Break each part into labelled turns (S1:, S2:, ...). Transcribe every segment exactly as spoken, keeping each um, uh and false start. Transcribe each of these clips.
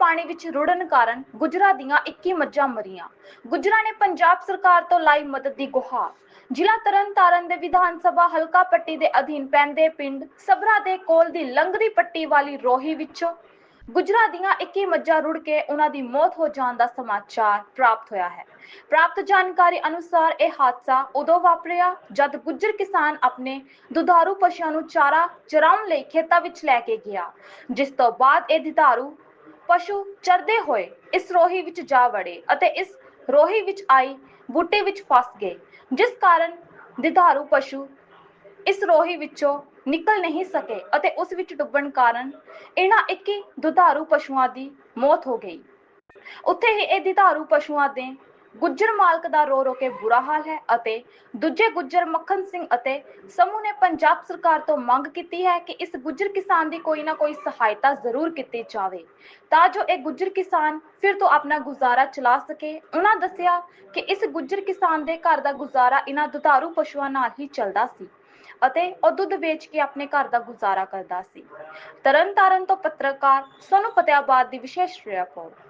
S1: पानी विच रुड़न कारण गुजरां दीआं इक्की मੱਝਾਂ मरीआं। गुजरां ने पंजाब सरकार तो लाई मदद दी गुहार। जिला तरन तारण दे विधान सभा हलका पट्टी दे अधीन पैंदे पिंड सबरा दे कोल दी लंघदी पट्टी वाली रोही विचों गुजरां दीआं इक्की मੱਝਾਂ रुड़ के उन्हां दी मौत हो जाण दा समाचार प्राप्त होया है। प्राप्त जानकारी अनुसार यह हादसा उदों वापरिया जद गुज्जर किसान अपने दुधारू पशुओं नूं चारा चराउण लई खेतां विच लै के गया, जिस तो बाद यह दुधारू पशु चरदे होए इस रोही विच जा वड़े अते इस रोही विच आई बूटे विच फस गए, जिस कारण दुधारू पशु इस रोही विचों निकल नहीं सके अते उस विच डुब्बण कारण इन्हां इक्की दुधारू पशुओं की मौत हो गई। उत्थे ही यह दुधारू पशुओं दे गुज्जर मालक दा रो रो के बुरा हाल है अते दूजे गुज्जर मक्खन सिंह अते समूह ने पंजाब सरकार तो मंग की है कि इस गुज्जर किसान की कोई ना कोई सहायता जरूर की जाए ता जो एक गुज्जर किसान फिर तो अपना गुजारा चला सके। उन्होंने दस्सिया कि इस गुज्जर किसान के घर का गुजारा इन्हां दुधारू पशुओं नाल ही चलदा सी अते ਉਹ ਦੁੱਧ ਵੇਚ के अपने घर का गुजारा करता सी। तरन तारण तो पत्रकार सोनू फतेहाबाद की विशेष रिपोर्ट।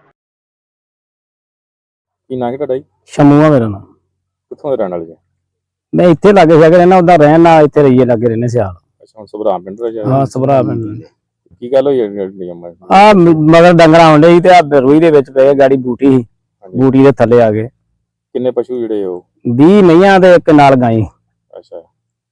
S2: ਕੀ ਨਾਂ ਹੈ ਤੁਹਾਡਾ ਜੀ?
S3: ਸ਼ਮੂਆ ਮੇਰਾ ਨਾਮ।
S2: ਕਿੱਥੋਂ ਦੇ ਰਹਿਣ ਵਾਲੇ ਜੀ?
S3: ਮੈਂ ਇੱਥੇ ਲਾਗੇ ਸ਼ਾਗੇ ਰਹਿਣਾ, ਉਹਦਾ ਰਹਿਣ ਨਾਲ ਇੱਥੇ ਰਹੀਏ ਲਾਗੇ ਰਹਿੰਦੇ ਸਿਆਲ।
S2: ਅੱਛਾ, ਹੁਣ ਸਭਰਾ ਪਿੰਡ ਦੇ ਜਾ
S3: ਹਾਂ ਸਭਰਾ ਪਿੰਡ ਦੇ।
S2: ਕੀ ਗੱਲ ਹੋਈ ਜਿਹੜੀ ਅੰਮਾ?
S3: ਆ ਮਗਰ ਡੰਗਰਾਂ ਆਉਂਦੇ ਸੀ ਤੇ ਆ ਰੂਈ ਦੇ ਵਿੱਚ ਪਏ ਗਾੜੀ ਬੂਟੀ ਸੀ, ਬੂਟੀ ਦੇ ਥੱਲੇ ਆ ਗਏ।
S2: ਕਿੰਨੇ ਪਸ਼ੂ ਜਿਹੜੇ ਉਹ?
S3: ਵੀਹ ਮਈਆਂ ਤੇ ਇੱਕ ਨਾਲ ਗਾਈ।
S2: ਅੱਛਾ,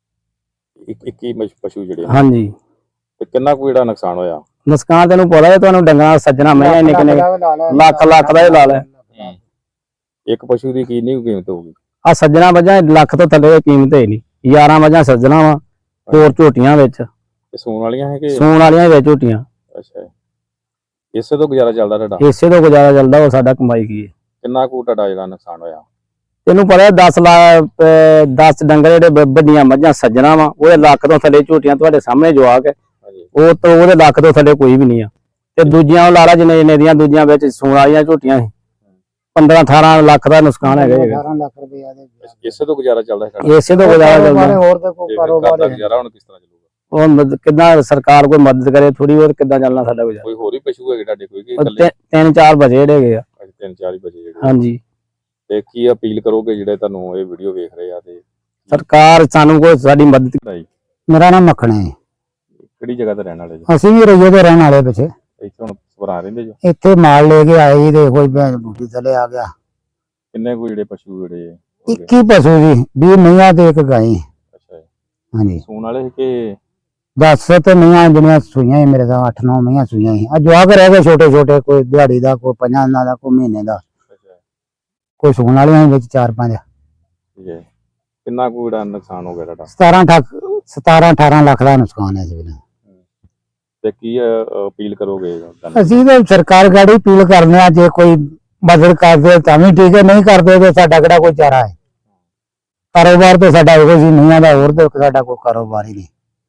S2: ਇੱਕੀ ਪਸ਼ੂ ਜਿਹੜੇ?
S3: ਹਾਂਜੀ।
S2: ਤੇ ਕਿੰਨਾ ਕੁ ਜਿਹੜਾ ਨੁਕਸਾਨ ਹੋਇਆ?
S3: ਨੁਕਸਾਨ ਤੈਨੂੰ ਪਤਾ ਹੈ, ਤੁਹਾਨੂੰ ਡੰਗਰਾਂ ਸੱਜਣਾ ਮੈਂ ਨਿੱਕੇ ਨਿੱਕੇ ਲੱਖ ਲੱਖ ਦਾ ਹੀ ਲਾ ਲੈ।
S2: ਇੱਕ ਪਸ਼ੂ ਦੀ ਕਿੰਨੀ ਕੀਮਤ ਹੋਊਗੀ?
S3: ਆ ਸੱਜਣਾ ਵਜਾਂ ਲੱਖ ਤੋਂ ਥੱਲੇ ਦੀ ਕੀਮਤ ਹੈ ਨਹੀਂ। ਗਿਆਰਾਂ ਵਜਾਂ ਸੱਜਣਾ ਵਾ, ਹੋਰ ਝੋਟੀਆਂ ਵਿੱਚ
S2: ਸੂਣ ਵਾਲੀਆਂ ਹੈ ਕਿ
S3: ਸੂਣ ਵਾਲੀਆਂ ਵਿੱਚ ਝੋਟੀਆਂ।
S2: ਅੱਛਾ, ਇਸੇ ਤੋਂ ਗੁਜ਼ਾਰਾ ਚੱਲਦਾ ਤੁਹਾਡਾ?
S3: ਇਸੇ ਤੋਂ ਗੁਜ਼ਾਰਾ ਚੱਲਦਾ, ਉਹ ਸਾਡਾ ਕਮਾਈ ਕੀ ਹੈ।
S2: ਕਿੰਨਾ ਕੁ ਤੁਹਾਡਾ ਜਿਹੜਾ ਨੁਕਸਾਨ ਹੋਇਆ?
S3: ਤੈਨੂੰ ਪਤਾ ਦਸ ਲੱਖ ਦਸ ਡੰਗਰ ਜਿਹੜੇ ਵੱਡੀਆਂ ਮੱਝਾਂ ਸੱਜਣਾ ਵਾ, ਉਹਦੇ ਲੱਖ ਤੋਂ ਥੱਲੇ ਝੋਟੀਆਂ ਤੁਹਾਡੇ ਸਾਹਮਣੇ ਜਵਾਕ ਹੈ, ਉਹ ਤੋਂ ਉਹਦੇ ਲੱਖ ਤੋਂ ਥੱਲੇ ਕੋਈ ਵੀ ਨਹੀਂ ਆ। ਤੇ ਦੂਜੀਆਂ ਉਹ ਲਾਲਾ ਜਿੰਨੇ ਜਿੰਨੇ ਦੀਆਂ ਦੂਜੀਆਂ ਵਿੱਚ ਸੂਣ ਵਾਲੀਆਂ ਝੋਟੀਆਂ ਸੀ, ਪੰਦਰਾਂ ਅਠਾਰਾਂ ਲੱਖ ਦਾ ਨੁਕਸਾਨ ਹੈਗਾ।
S4: ਅਠਾਰਾਂ ਲੱਖ ਰੁਪਏ ਦੇ
S2: ਇਸੇ ਤੋਂ ਗੁਜ਼ਾਰਾ ਚੱਲਦਾ ਹੈ?
S3: ਇਸੇ ਤੋਂ ਗੁਜ਼ਾਰਾ ਚੱਲਦਾ।
S4: ਹੋਰ ਤਾਂ ਕੋਈ ਕਾਰੋਬਾਰ
S2: ਹੈ ਗੁਜ਼ਾਰਾ ਹੁਣ ਕਿਸ ਤਰ੍ਹਾਂ ਚੱਲੂਗਾ?
S3: ਉਹ ਕਿੱਦਾਂ ਸਰਕਾਰ ਕੋਈ ਮਦਦ ਕਰੇ ਥੋੜੀ, ਹੋਰ ਕਿੱਦਾਂ ਚੱਲਣਾ ਸਾਡਾ ਗੁਜ਼ਾਰਾ।
S2: ਕੋਈ ਹੋਰ ਹੀ ਪਸ਼ੂ ਹੈਗੇ ਤੁਹਾਡੇ ਕੋਈ ਕਿ ਇਕੱਲੇ?
S3: ਤਿੰਨ ਚਾਰ ਬਚੇ ਜਿਹੜੇ ਹੈਗੇ ਆ।
S2: ਅੱਛਾ, ਤਿੰਨ ਚਾਰ ਹੀ ਬਚੇ ਜਿਹੜੇ।
S3: ਹਾਂਜੀ।
S2: ਤੇ ਕੀ ਅਪੀਲ ਕਰੋਗੇ ਜਿਹੜੇ ਤੁਹਾਨੂੰ ਇਹ ਵੀਡੀਓ ਵੇਖ ਰਹੇ ਆ? ਤੇ
S3: ਸਰਕਾਰ ਸਾਨੂੰ ਕੋਈ ਸਾਡੀ ਮਦਦ ਕਰੇ।
S4: ਮੇਰਾ ਨਾਮ ਮੱਖਣ ਹੈ।
S2: ਕਿਹੜੀ ਜਗ੍ਹਾ ਤੇ ਰਹਿਣ ਵਾਲੇ ਜੀ?
S4: ਅਸੀਂ ਵੀ ਰਈਏ ਦੇ ਰਹਿਣ ਵਾਲੇ ਪਿੱਛੇ।
S2: ਇੱਥੇ ਹੁਣ ਸਵਰਾ ਰਹਿੰਦੇ ਜੋ?
S4: ਇੱਥੇ ਮਾਲ ਲੈ ਕੇ ਆਏ ਜੀ ਤੇ ਕੋਈ ਭੈਣ ਬੂਟੀ ਥੱਲੇ ਆ ਗਿਆ।
S2: ਕਿੰਨੇ ਕੋਈ ਜਿਹੜੇ ਪਸ਼ੂ ਜਿਹੜੇ?
S4: ਇੱਕੀ ਪਸ਼ੂ ਜੀ, ਵੀਹ ਮਈਆਂ ਤੇ ਇੱਕ ਗਾਈ।
S2: ਅੱਛਾ,
S4: ਹਾਂਜੀ।
S2: ਸੂਣ ਵਾਲੇ ਕਿ
S4: ਦਸ ਤੇ ਮਈਆਂ ਜਿਹੜੀਆਂ ਸੂਈਆਂ ਮੇਰੇ ਦਾ ਅੱਠ ਨੌ ਮਈਆਂ ਸੂਈਆਂ ਸੀ। ਆ ਜਵਾਕ ਰਹਿ ਗਏ ਛੋਟੇ ਛੋਟੇ, ਕੋਈ ਦਿਹਾੜੀ ਦਾ, ਕੋਈ ਪੰਜਾਂ ਦਿਨਾਂ ਦਾ, ਕੋਈ ਮਹੀਨੇ ਦਾ, ਕੋਈ ਸੂਣ ਵਾਲੀਆਂ ਵਿੱਚ ਚਾਰ ਪੰਜ।
S2: ਠੀਕ ਹੈ। ਕਿੰਨਾ ਕੁ ਜਿਹੜਾ ਨੁਕਸਾਨ ਹੋ ਗਿਆ ਤੁਹਾਡਾ?
S4: ਸਤਾਰਾਂ ਠੱਕ ਸਤਾਰਾਂ ਅਠਾਰਾਂ ਲੱਖ ਦਾ ਨੁਕਸਾਨ ਹੈ ਜੀ।
S2: ਤੇ ਕੀ ਅਪੀਲ ਕਰੋਗੇ?
S4: ਅਸੀਂ ਤਾਂ ਸਰਕਾਰ ਗਾੜੀ ਅਪੀਲ ਕਰਨੇ ਆ, ਜੇ ਕੋਈ ਮਦਦ ਕਰਦੇ ਤਾਂ ਵੀ ਠੀਕ ਹੈ, ਨਹੀਂ ਕਰਦੇ ਤੇ ਸਾਡਾ ਕਿਹੜਾ ਕੋਈ ਚਾਰਾ ਹੈ। ਕਾਰੋਬਾਰ ਤੇ ਸਾਡਾ ਇਹੋ ਜੀ ਨਹੀਂ ਦਾ, ਹੋਰ ਤੇ ਸਾਡਾ ਕੋਈ ਕਾਰੋਬਾਰ ਹੀ ਨਹੀਂ।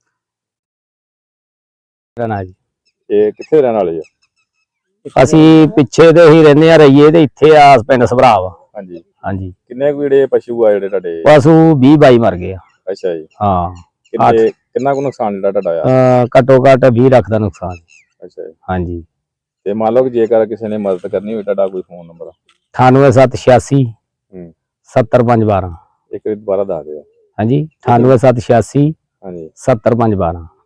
S3: ਜੀ
S2: ਇਹ ਕਿੱਥੇ ਰਹਿਣ ਵਾਲੇ ਜੀ?
S3: ਅਸੀਂ ਪਿੱਛੇ ਤੇ ਹੀ ਰਹਿੰਦੇ ਆ ਰਈਏ ਤੇ ਇੱਥੇ ਆ ਪਿੰਡ ਸਭਰਾ ਵਾ।
S2: ਹਾਂਜੀ
S3: ਹਾਂਜੀ।
S2: ਕਿੰਨੇ ਕੁ ਜਿਹੜੇ ਪਸ਼ੂ ਆ ਜਿਹੜੇ ਤੁਹਾਡੇ?
S3: ਪਸ਼ੂ ਵੀਹ ਬਾਈ ਮਰ ਗਏ ਆ।
S2: ਅੱਛਾ ਜੀ।
S3: ਹਾਂ।
S2: ਕਿੰਨੇ ਕਿੰਨਾ ਕੁ ਨੁਕਸਾਨ ਜਿਹੜਾ ਤੁਹਾਡਾ ਆਇਆ?
S3: ਘੱਟੋ ਘੱਟ ਵੀਹ ਲੱਖ ਦਾ ਨੁਕਸਾਨ।
S2: ਅੱਛਾ ਜੀ।
S3: ਹਾਂਜੀ।
S2: ਤੇ ਮੰਨ ਲਓ ਜੇਕਰ ਕਿਸੇ ਨੇ ਮਦਦ ਕਰਨੀ ਹੋਵੇ, ਤੁਹਾਡਾ ਕੋਈ ਫੋਨ ਨੰਬਰ?
S3: ਅਠਾਨਵੇਂ ਸੱਤ ਛਿਆਸੀ
S2: ਹੂੰ
S3: ਸੱਤਰ ਪੰਜ ਬਾਰਾਂ।
S2: ਇੱਕ ਵਾਰ ਦੁਬਾਰਾ ਦੱਸ ਦਿਓ।
S3: ਹਾਂਜੀ, ਅਠਾਨਵੇਂ ਸੱਤ ਛਿਆਸੀ
S2: ਹਾਂਜੀ
S3: ਸੱਤਰ ਪੰਜ ਬਾਰਾਂ।